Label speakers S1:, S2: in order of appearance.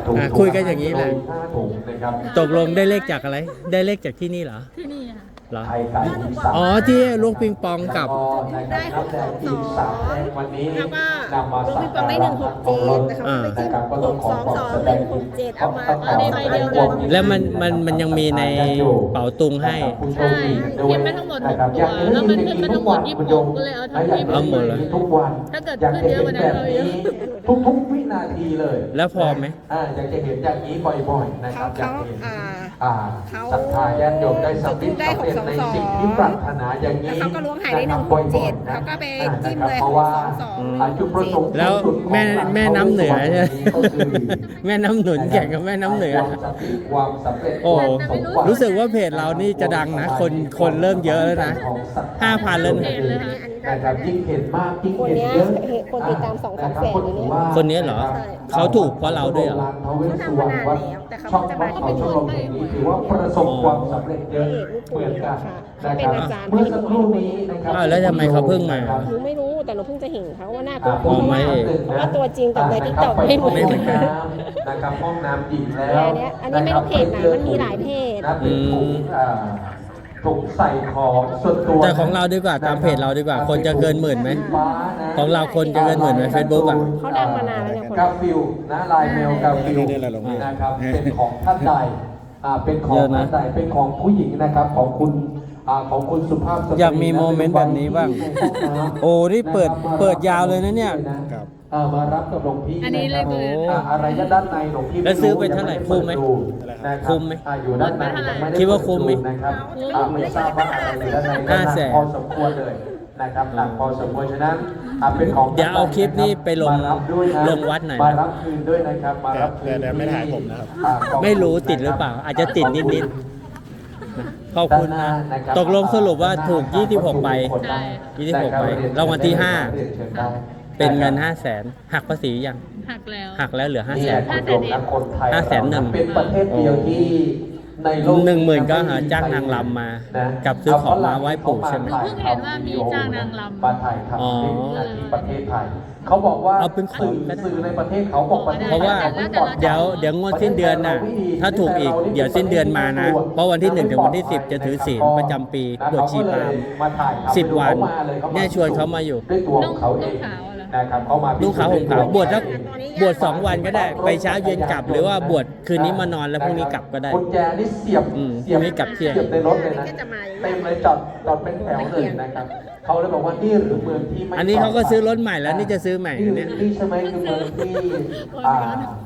S1: คุยกันอย่างนี้แหละ
S2: 5 ถุงนะครับ
S1: ตกลงได้เลขจากอะไร ได้เลขจากที่นี่เหรอ
S3: ที่นี่ค่ะ
S1: เหรอ
S2: ไข่ไก่อีสาน
S1: อ๋อที่ลูกปิงปองกับ
S2: ได้622วันนี้
S4: แล้วก็
S2: นำมา
S4: ลูก
S2: สั
S4: ปิ
S2: ก
S4: งปองได้
S2: การะ
S4: 167แต่เขาไปจิ้ม
S2: นะครับก็ต้องขอความแสดง
S4: 622 167เอามา
S2: เอาในใบเดียวกัน
S1: แล้วมันยังมีในเป๋าตุงให้
S3: ใช่เขียนไปทั้งหมด6ตัวแล้วมันขึ้นมาทั้งหมด26ก็เลยเอาทั้ง
S1: เอาหมดเลย
S2: ทุกวัน
S3: ถ้าเกิดขึ้นเยอะกว่านั้นเราเยอะ
S2: ทุกวินาทีเลย
S1: แล้วพอไหม
S2: อยากจะเห็นอย่างนี้บ่อยๆนะครับอยากเห็น
S4: เขา
S2: ศรัทธาญาติโยมได้สำเร็จในสิ่งที่ปรารถนาอย่างนี้
S4: แล้วเขาก็ล้วงหายได้
S2: นะครับ
S4: 167เขาก็ไปจิ้มเลย
S2: เพราะว่า
S4: 622
S2: จุดประสงค์
S1: แล้วแม่น้ำเหนือใช่ไหม
S2: ก็คือ
S1: แม่น้ำหนุนแข่งกับแม่น้ำเหนือ
S2: ความสำเร็จ
S1: โอ้รู้สึกว่าเพจเรานี่จะดังนะ คนเริ่มเยอะแล้วนะ 5,000แล้วนะ
S2: นะครับยิ่งเห็นมากยิ่ง
S4: คน
S2: เห็น
S4: เนี้ย
S2: เยอะ
S4: คนติดตาม2-3 แสนอยู่เนี่ย
S1: คนนี้เหรอ เขาถูกเพราะเราด้วยเหรอ
S4: เขาทำมานานแล้วแต่เขา
S2: ช่อง
S4: จะ
S2: บ้าม
S4: าน
S2: เขาชมรมแห่งนี้ถือว่าประสบความสำเร็จเยอะเหมือนกันนะครับ
S4: เป็นอาจารย์
S2: เมื่อสักครู่นี้นะครับ
S1: อ้าวแล้วทำไมเขาเพิ่งมา
S4: หนูไม่รู้แต่หนูเพิ่งจะเห็นเขาว่าหน้าตัว
S1: อ๋อไม่
S4: เพราะว่าตัวจริงกับในทิกตอกไม่เหมือน
S1: ไม่เหมื
S4: กั
S1: อน
S4: น
S2: นะครับห้องน้ำหญิงแล้ว
S4: อันนี้ไม่รู้เพจไหนมันมีหลายเพจ
S2: นะเป็นถุงใส่ของส่วนตัว
S1: แต่ของเราดีกว่าตามเพจเราดีกว่า คนจะเกินหมื่นไหม ของเราคนจะเกินหมื่นไหม Facebook อ่ะ
S4: เขาดังมานานแล้วเนี่ยคน
S2: กาฟิลนะลายเมลกาฟิล
S5: ได้อะไรลงมา
S2: นะครับเป็นของท่านใดเป็นของ
S1: เยอะนะ
S2: ท่านใดเป็นของผู้หญิงนะครับของคุณสุภาพสตรี
S1: อยากมีโมเมนต์แบบนี้บ้าง โอ้นี่เปิดยาวเลยนะเนี่ย
S5: ครับ
S2: มารับกับหลวงพี่
S3: อันนี้เลขเลย
S2: อะไรด้านในหลวงพี่
S1: แล้วซื้อไปเท่าไหร่คุ้มไหม คุ้มไหม
S2: อยู่ด้านในยังไ
S1: คิดว่าคุ้มไหม
S2: นะครับไม่ทราบว่าอะไรอยู่ด้านใน
S1: 500,000
S2: พอสมควรเลยนะครับหนักพอสมควรฉะนั้นเป็นของ
S1: เดี๋ยวเอาคลิปนี้ไปลง
S2: มารับด้วยนะ
S1: ลงวัดหน่อยนะ
S2: มารับคืนด้วยนะครับมารับคืน
S5: แต่ไม่ถ่ายผมนะครับ
S1: ไม่รู้ติดหรือเปล่า อาจจะติดนิดๆขอบคุณนะ ตกลงสรุปว่าถูก 26 ใบ
S3: ใช่
S1: 26 ใบรางวัลที่ 5 เป็นเงิน 500,000 หักภาษียัง
S3: หักแล้ว
S1: หักแล้วเหลือ
S2: นี่แหละคุณผู้ชมนะคนไทย
S1: 500,000
S2: เป็นประเทศเดียวที่ในโลก
S1: 10,000ก็หาจ้างนางรำมากับซื้อของมาไหว้ปู่ใช่ไหม
S3: หนูเพิ่งเห็นว่ามีจ้างนางรำ
S2: มาถ่ายทำ
S1: อ๋อ
S2: ที่ประเทศไทยเขาบอกว่า
S1: เอาเป็นของก็ได้
S2: สื่อในประเทศเขาบอกประเทศ
S1: เพราะว่าเดี๋ยวงวดสิ้นเดือนน่ะ ถ้าถูกอีกเดี๋ยวสิ้นเดือนมานะ เพราะวันที่ 1 ถึงวันที่ 10 จะถือศีลประจำปีบวชชีพราหมณ์ 10 วันเนี่ยชวนเขามาอยู่
S2: ด้วยตัวของเขาเอง
S3: นุ่งขาวเหรอ
S2: นะครับเขามา
S1: นุ่งขาวห่มขาวบวชสักบวช2 วันก็ได้ ไปเช้าเย็นกลับ หรือว่าบวชคืนนี้มานอนแล้วพรุ่งนี้กลับก็ได้
S2: กุญแจนี่เสียบ
S1: พรุ่งนี้กลับเที่ยง
S2: เสียบในรถเลยนะ
S4: ก็จะมาอย่างนี้
S2: เต็มเลยจอดเป็นแถวเลยนะครับเขาเลยบอกว่านี่หรือเมืองที่ไม่
S1: อันนี้เขาก็ซื้อรถใหม่แล้วนี่จะซื้อใหม่
S2: นี่
S1: เนี่ย
S2: นี่ใช่ไหมคือเมืองที่